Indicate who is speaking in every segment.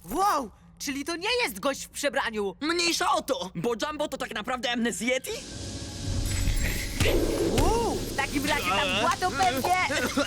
Speaker 1: Wow, czyli to nie jest gość w przebraniu.
Speaker 2: Mniejsza o to, bo Jumbo to tak naprawdę Amnezjeti?
Speaker 1: W takim razie tam była to pewnie...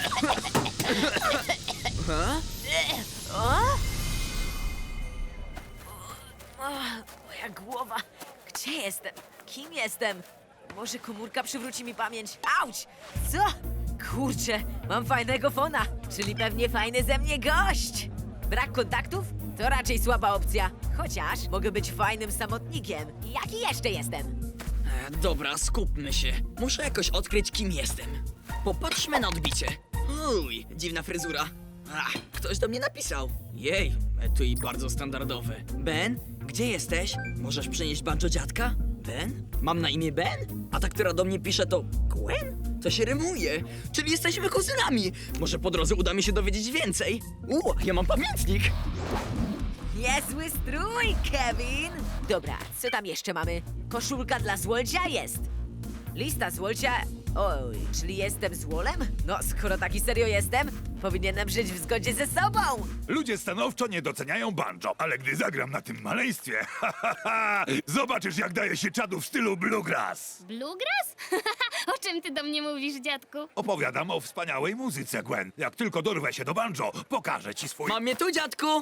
Speaker 1: Moja głowa. Gdzie jestem? Kim jestem? Może komórka przywróci mi pamięć. Auć! Co? Kurczę, mam fajnego fona, czyli pewnie fajny ze mnie gość. Brak kontaktów? To raczej słaba opcja. Chociaż mogę być fajnym samotnikiem. Jaki jeszcze jestem?
Speaker 2: Dobra, skupmy się. Muszę jakoś odkryć, kim jestem. Popatrzmy na odbicie. Uj, dziwna fryzura. Ktoś do mnie napisał. Jej, etui bardzo standardowe. Ben, gdzie jesteś? Możesz przynieść banjo dziadka? Ben? Mam na imię Ben? A ta, która do mnie pisze, to Gwen? To się rymuje. Czyli jesteśmy kuzynami. Może po drodze uda mi się dowiedzieć więcej. Ja mam pamiętnik.
Speaker 1: Niezły strój, Kevin! Dobra, co tam jeszcze mamy? Koszulka dla złolcia jest. Lista złolcia... Oj, czyli jestem złolem? No, skoro taki serio jestem, powinienem żyć w zgodzie ze sobą!
Speaker 3: Ludzie stanowczo nie doceniają banjo, ale gdy zagram na tym maleństwie, zobaczysz, jak daje się czadu w stylu bluegrass.
Speaker 4: Bluegrass? O czym ty do mnie mówisz, dziadku?
Speaker 3: Opowiadam o wspaniałej muzyce, Gwen. Jak tylko dorwę się do banjo, pokażę ci swój...
Speaker 2: Mam je tu, dziadku!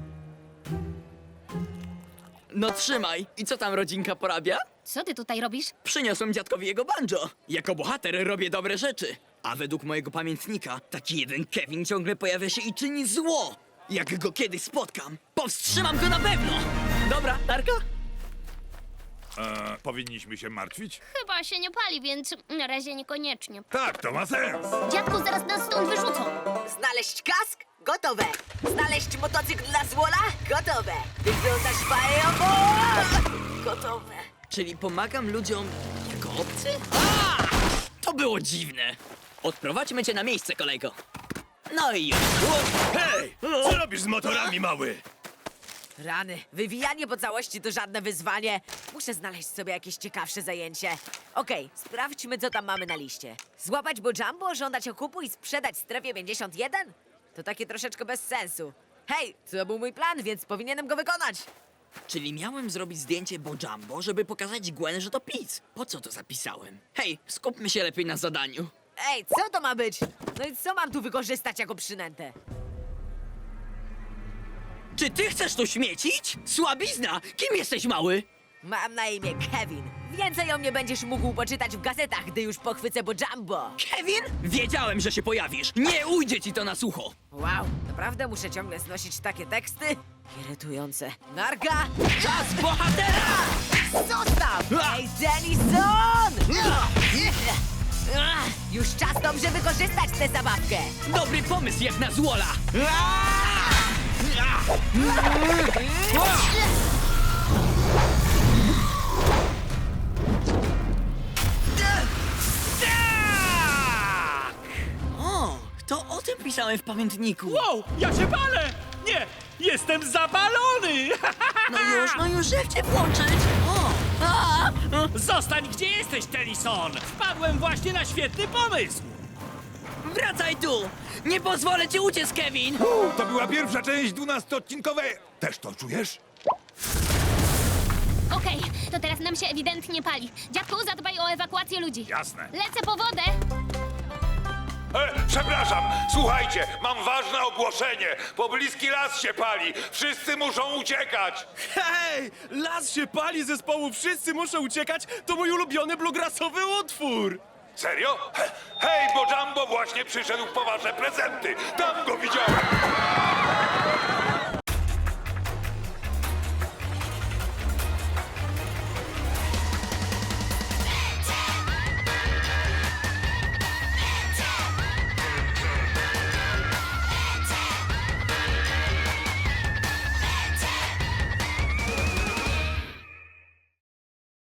Speaker 2: No trzymaj. I co tam rodzinka porabia?
Speaker 4: Co ty tutaj robisz?
Speaker 2: Przyniosłem dziadkowi jego banjo. Jako bohater robię dobre rzeczy. A według mojego pamiętnika, taki jeden Kevin ciągle pojawia się i czyni zło. Jak go kiedyś spotkam, powstrzymam go na pewno! Dobra, Tarka?
Speaker 3: Powinniśmy się martwić?
Speaker 4: Chyba się nie pali, więc na razie niekoniecznie.
Speaker 3: Tak, to ma sens.
Speaker 4: Dziadku, zaraz nas stąd wyrzucą.
Speaker 1: Znaleźć kask? Gotowe! Znaleźć motocykl dla złola? Gotowe! Wyglądasz fajowo! Gotowe!
Speaker 2: Czyli pomagam ludziom jako obcy? To było dziwne. Odprowadźmy cię na miejsce, kolego. No i już.
Speaker 3: Hej! Co robisz z motorami, mały?
Speaker 1: Rany, wywijanie po całości to żadne wyzwanie. Muszę znaleźć sobie jakieś ciekawsze zajęcie. Okej, sprawdźmy, co tam mamy na liście. Złapać Bojambo, żądać okupu i sprzedać strefie 51? To takie troszeczkę bez sensu. Hej, to był mój plan, więc powinienem go wykonać.
Speaker 2: Czyli miałem zrobić zdjęcie Bojambo, żeby pokazać Gwen, że to Piz. Po co to zapisałem? Hej, skupmy się lepiej na zadaniu.
Speaker 1: Ej, co to ma być? No i co mam tu wykorzystać jako przynętę?
Speaker 2: Czy ty chcesz tu śmiecić? Słabizna! Kim jesteś, mały?
Speaker 1: Mam na imię Kevin. Więcej o mnie będziesz mógł poczytać w gazetach, gdy już pochwycę Bojambo.
Speaker 2: Kevin? Wiedziałem, że się pojawisz. Nie ujdzie ci to na sucho.
Speaker 1: Wow, naprawdę muszę ciągle znosić takie teksty? Irytujące. Narka!
Speaker 2: Czas bohatera!
Speaker 1: Zostaw! Ej, Denison! Już czas dobrze wykorzystać tę zabawkę.
Speaker 2: Dobry pomysł jak na złola. O, to o tym pisałem w pamiętniku.
Speaker 5: Wow, ja się palę! Nie, jestem zapalony!
Speaker 2: No już, że cię włączyć.
Speaker 5: Zostań, gdzie jesteś, Tennyson! Wpadłem właśnie na świetny pomysł!
Speaker 2: Wracaj tu! Nie pozwolę ci uciec, Kevin!
Speaker 3: To była pierwsza część 12-odcinkowej. Też to czujesz?
Speaker 4: Okej, to teraz nam się ewidentnie pali. Dziadku, zadbaj o ewakuację ludzi.
Speaker 3: Jasne.
Speaker 4: Lecę po wodę.
Speaker 3: Przepraszam, słuchajcie, mam ważne ogłoszenie. Pobliski las się pali. Wszyscy muszą uciekać.
Speaker 5: Hej! Las się pali zespołu Wszyscy muszą uciekać! To mój ulubiony bluegrassowy utwór!
Speaker 3: Serio? Hej, bo Jumbo właśnie przyszedł po wasze prezenty. Tam go widziałem.